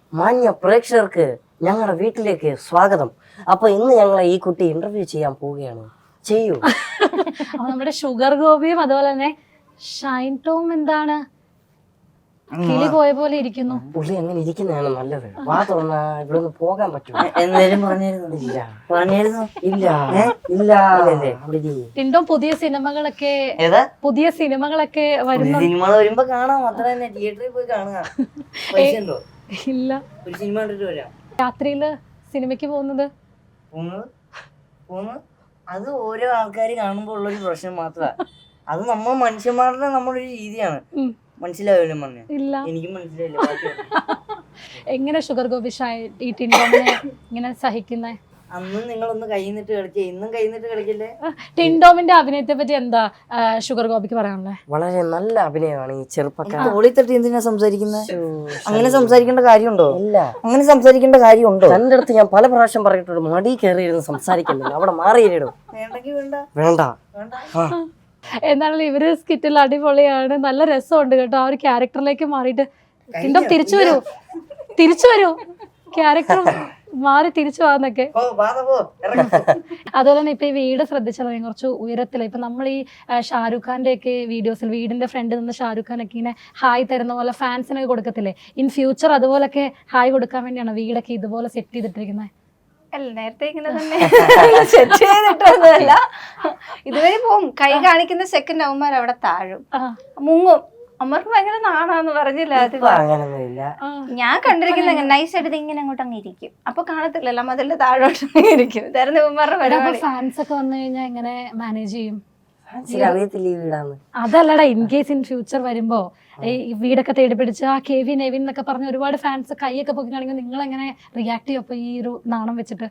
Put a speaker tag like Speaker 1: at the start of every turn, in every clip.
Speaker 1: മാന്യ പ്രേക്ഷകർക്ക് ഞങ്ങളുടെ വീട്ടിലേക്ക് സ്വാഗതം. അപ്പൊ ഇന്ന് ഞങ്ങളെ ഈ കുട്ടി ഇന്റർവ്യൂ ചെയ്യാൻ പോവുകയാണ്. ചെയ്യൂ.
Speaker 2: അപ്പൊ നമ്മുടെ ഷുഗർ ഗോപിയും അതുപോലെ തന്നെ ഷൈൻ ടോം എന്താണ് കിളി പോയ പോലെ ഇരിക്കുന്നു.
Speaker 1: പുള്ളി അങ്ങനെ ഇരിക്കുന്നതാണ് നല്ലത്. വാ തുറന്നാ ഇവിടെ പോകാൻ പറ്റും.
Speaker 3: എന്തേലും പറഞ്ഞിരുന്നു?
Speaker 1: ഇല്ല
Speaker 3: പറഞ്ഞിരുന്നു?
Speaker 1: ഇല്ല ഇല്ല.
Speaker 2: ടിൻഡോ പുതിയ സിനിമകളൊക്കെ വരുന്നു.
Speaker 3: സിനിമ വരുമ്പോ കാണാം, അത്ര തന്നെ. തിയേറ്ററിൽ പോയി കാണുക. പൈസ ഉണ്ടോ?
Speaker 2: ഇല്ല.
Speaker 3: ഒരു സിനിമ കണ്ടിട്ട് വരാം.
Speaker 2: രാത്രിയില് സിനിമയ്ക്ക് പോകുന്നത്
Speaker 3: അത് ഓരോ ആൾക്കാർ കാണുമ്പോ ഉള്ളൊരു പ്രശ്നം മാത്രമാണ്. അത് നമ്മൾ മനുഷ്യന്മാരുടെ നമ്മളൊരു രീതിയാണ്. മനസ്സിലാവില്ല പറഞ്ഞ?
Speaker 2: ഇല്ല,
Speaker 3: എനിക്കും മനസ്സിലായില്ല.
Speaker 2: എങ്ങനെ ഷുഗർ ഗോപി ഈ ടിൻഡോമിനെ ഇങ്ങനെ സഹിക്കുന്നേ?
Speaker 3: അന്നും നിങ്ങളൊന്ന് കൈന്നിട്ട് കളിക്കേ, ഇന്നും കൈന്നിട്ട് കളിക്കല്ലേ.
Speaker 2: ടിൻഡോമിന്റെ അഭിനയത്തെ പറ്റി എന്താ ഷുഗർ ഗോപിക്ക് പറയാനുള്ളത്?
Speaker 1: വളരെ നല്ല അഭിനയമാണ് ഈ ചെറുപ്പക്കാരൻ.
Speaker 3: തോളി തട്ടി എന്തിനാ സംസാരിക്കുന്നത്? അങ്ങനെ സംസാരിക്കേണ്ട കാര്യമുണ്ടോ?
Speaker 1: ഇല്ല,
Speaker 3: അങ്ങനെ സംസാരിക്കേണ്ട കാര്യമുണ്ടോ?
Speaker 1: തന്റെ അടുത്ത് ഞാൻ പല പ്രാവശ്യം പറഞ്ഞിട്ടുണ്ട്, മടി കയറിയിരുന്ന് സംസാരിക്കുന്നില്ല. അവിടെ മാറിയിടും.
Speaker 3: വേണ്ടെങ്കിൽ വേണ്ട.
Speaker 1: വേണ്ട.
Speaker 2: എന്നാലും ഇവര് സ്കിറ്റിൽ അടിപൊളിയാണ്, നല്ല രസമുണ്ട് കേട്ടോ. ആ ഒരു ക്യാരക്ടറിലേക്ക് മാറിയിട്ട് ടിൻഡോ തിരിച്ചു വരൂ ക്യാരക്ടർ മാറി തിരിച്ചു പോകാന്നൊക്കെ. അതുപോലെ തന്നെ ഇപ്പൊ ഈ വീട് ശ്രദ്ധിച്ചാൽ കുറച്ച് ഉയരത്തില. ഇപ്പൊ നമ്മൾ ഈ ഷാരൂഖ് ഖാന്റെ ഒക്കെ വീഡിയോസിൽ വീടിന്റെ ഫ്രണ്ടിൽ നിന്ന് ഷാരൂഖ് ഖാൻ ഒക്കെ ഇങ്ങനെ ഹായ് തരുന്ന പോലെ ഫാൻസിനൊക്കെ കൊടുക്കത്തില്ലേ? ഇൻ ഫ്യൂച്ചർ അതുപോലൊക്കെ ഹായ് കൊടുക്കാൻ വേണ്ടിയാണ് വീടൊക്കെ ഇതുപോലെ സെറ്റ് ചെയ്തിട്ടിരിക്കുന്നത്.
Speaker 4: അല്ല, നേരത്തെ ഇങ്ങനെ തന്നെ സെറ്റ് ചെയ്തിട്ടൊന്നുമല്ല. ഇതുവരെ പോവും. കൈ കാണിക്കുന്ന സെക്കൻഡ് അവന്മാർ അവിടെ താഴും, മുങ്ങും. അമ്മർക്ക് ഭയങ്കര നാണാന്ന് പറഞ്ഞില്ല.
Speaker 1: അങ്ങനൊന്നുമില്ല.
Speaker 4: ഞാൻ കണ്ടിരിക്കുന്ന നൈസായിട്ട് ഇങ്ങനെ അങ്ങോട്ട് അങ്ങ് ഇരിക്കും. അപ്പൊ കാണത്തില്ലല്ലോ, മതിലിന്റെ താഴോട്ട് ഇരിക്കും. ഇതായിരുന്നു ഇവന്മാരുടെ പരിപാടി.
Speaker 2: ഫാൻസ് ഒക്കെ വന്നു കഴിഞ്ഞാൽ എങ്ങനെ മാനേജ് ചെയ്യും?
Speaker 1: അറിയത്തില്ല ഈ വീടാന്ന്.
Speaker 2: അതല്ലടാ, ഇൻ കേസ് ഇൻ ഫ്യൂച്ചർ വരുമ്പോ ഈ വീടൊക്കെ തേടി പിടിച്ച് ആ കെവിൻ എവിൻ എന്നൊക്കെ പറഞ്ഞ ഒരുപാട് ഫാൻസ് കൈയൊക്കെ പൊക്കിയാണെങ്കിൽ നിങ്ങൾ എങ്ങനെ റിയാക്ട് ചെയ്യും? അപ്പൊ ഈ ഒരു നാണം വെച്ചിട്ട്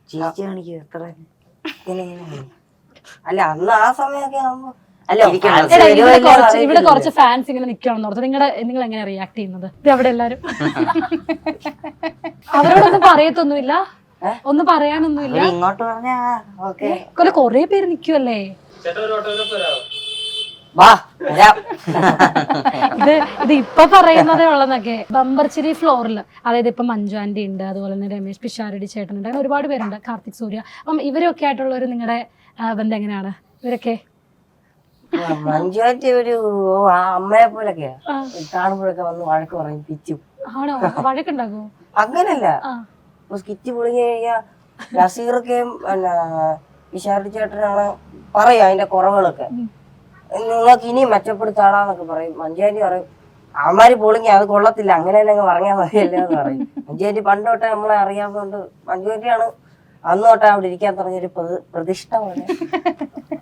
Speaker 1: അല്ല, അന്ന് ആ സമയമൊക്കെ ആവുമ്പോ
Speaker 2: ഇവിടെ കുറച്ച് ഫാൻസ് ഇങ്ങനെ നിൽക്കണം ഓർത്ത് നിങ്ങൾ എങ്ങനെ റിയാക്ട് ചെയ്യുന്നത്? അവിടെ എല്ലാരും അവരോടൊന്നും പറയത്തൊന്നുമില്ല, ഒന്നും പറയാനൊന്നുമില്ല.
Speaker 3: ഇങ്ങോട്ട് പറഞ്ഞ
Speaker 2: കൊറേ പേര് നിക്കുവല്ലേ. ഇത് ഇപ്പൊ പറയുന്നതേ ഉള്ളതൊക്കെ ബമ്പർച്ചിരി ഫ്ലോറിൽ, അതായത് ഇപ്പൊ മഞ്ജു ആന്റി ഉണ്ട്, അതുപോലെ തന്നെ രമേശ് പിഷാരടി ചേട്ടനുണ്ട്, അങ്ങനെ ഒരുപാട് പേരുണ്ട്, കാർത്തിക് സൂര്യ. അപ്പം ഇവരൊക്കെ ആയിട്ടുള്ള ഒരു നിങ്ങളുടെ ബന്ധം എങ്ങനെയാണ്? ഇവരൊക്കെ
Speaker 1: മഞ്ജുവാറ്റി ഒരു അമ്മയെ പോലൊക്കെയാ. കാണുമ്പോഴൊക്കെ വന്ന് വഴക്ക് പറയും, പിച്ചും.
Speaker 2: ആണോ? വഴക്കുണ്ടാകുമോ?
Speaker 1: അങ്ങനല്ല, സ്കിറ്റ് പൊളിഞ്ഞു കഴിഞ്ഞാ നസീറൊക്കെയും പിന്നെ പിഷാരടി ചേട്ടനാണ് പറയും അതിന്റെ കുറവുകളൊക്കെ. നിങ്ങൾക്ക് ഇനിയും മെച്ചപ്പെടുത്താടാന്നൊക്കെ പറയും. മഞ്ജുവാറ്റി പറയും അവന്മാര് പൊളിങ്ങി അത് കൊള്ളത്തില്ല, അങ്ങനെ തന്നെ അങ്ങ് പറഞ്ഞാൽ മതിയല്ലേ എന്ന് പറയും. മഞ്ജുവാറ്റി പണ്ട് തൊട്ടേ നമ്മളെ അറിയാവുന്നതുകൊണ്ട് മഞ്ജുവാറ്റിയാണ് അന്ന് തൊട്ടേ അവിടെ ഇരിക്കാൻ തുടങ്ങിയൊരു പ്രതിഷ്ഠ പോലെ.